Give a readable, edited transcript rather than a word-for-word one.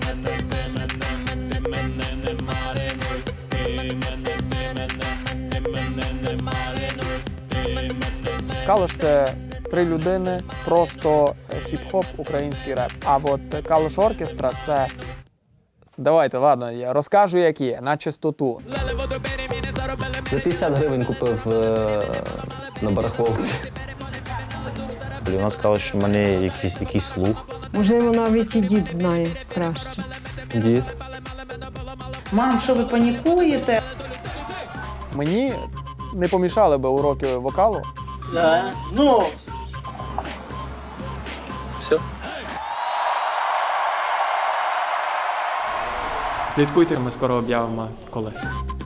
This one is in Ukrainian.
Калуш – це три людини, просто хіп-хоп, український реп. А от Калуш Оркестра – це… Давайте, ладно, я розкажу, як є, на чистоту. За 50 гривень купив на барахолці. Вона сказала, що в мене якийсь слух. Можливо, навіть і дід знає краще. Дід. Мам, що ви панікуєте? Мені не помішали би уроки вокалу. Ну, Все. Слідкуйте, ми скоро об'явимо коли.